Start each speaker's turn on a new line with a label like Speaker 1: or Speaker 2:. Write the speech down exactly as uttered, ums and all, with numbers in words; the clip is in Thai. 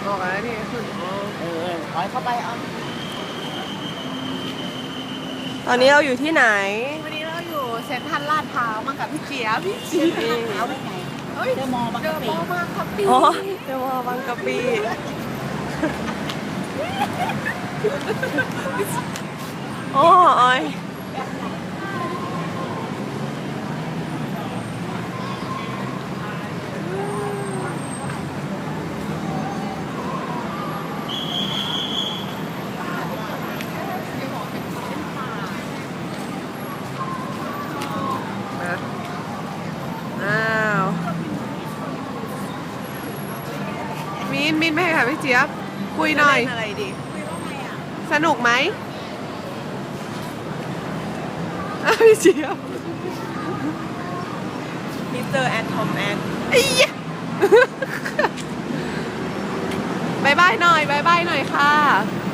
Speaker 1: บอกแล้วนี่คุณ
Speaker 2: เออถอยเข้าไปเอา
Speaker 3: ตอนนี้เราอยู่ที่ไหน
Speaker 1: วันนี้เราอยู่เซ็นทรัลลาดพร้าวมากับพี่เจี๊ยบพี่เจี๊ยบ
Speaker 2: เอาไว้ไหน
Speaker 1: เฮ้ย
Speaker 2: เดอะมอลล์บาง
Speaker 1: เจ
Speaker 2: กะ
Speaker 1: อ
Speaker 2: ปิ
Speaker 1: โมมากครับพี่
Speaker 3: อ๋อเดี๋ยวว่าบางกะปิโอ้ยอ้าวมินมินไม่ให้ค่ะพี่เจี๊ยบคุยหน่อยอะไรดีสนุกไหมอ้าวพี่เจี๊ยบมิสเตอร์แอนทอมแอนไอ้ยะบายบายหน่อยบายบายหน่อยค่ะ